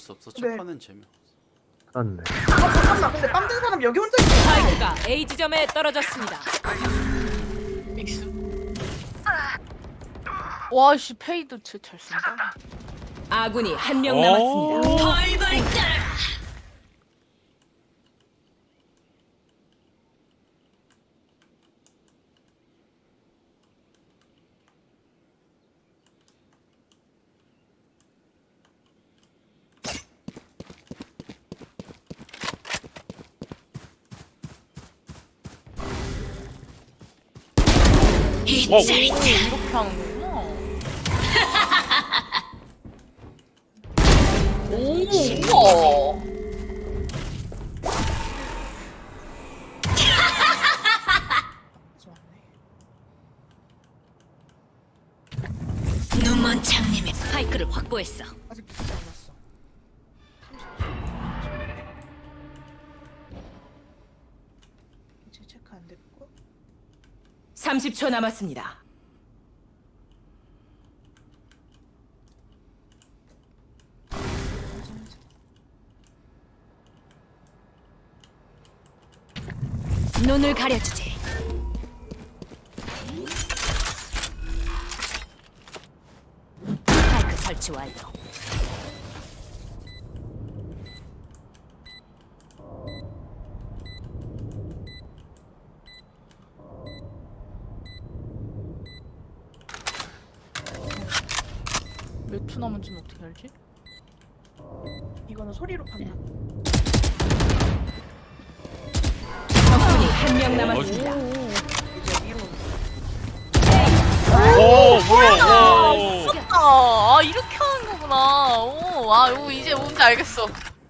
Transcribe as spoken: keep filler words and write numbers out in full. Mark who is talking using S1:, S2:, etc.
S1: 없어.
S2: 네.
S1: 첫 판은 재미없어.
S3: 맞네.
S2: 아 잠깐만, 근데 빰 든 사람 여기 혼자 있어.
S4: 스파이크가 A 지점에 떨어졌습니다.
S5: 믹스. 와씨 페이도 진짜 잘 쓴다.
S4: 아군이 한 명 남았습니다. 벌벌 떨어라.
S5: 오, 이렇게 하는구나. 오, 우와.
S4: 눈먼 장님의 스파이크를 확보했어.
S2: 아직 붙지 않았어. 이제 체크 안 됐고.
S4: 삼십 초 남았습니다. 눈을 가려주지. 스파이크 설치 완료.
S5: 몇 초 남은지는 어떻게 알지?
S2: 이거는 소리로 판단.
S4: 적군이 한 명 남았습니다.
S2: 이제 위로.
S6: 오 뭐야 와.
S5: 아, 아 이렇게 하는 거구나. 오, 아, 오 이제 뭔지 알겠어.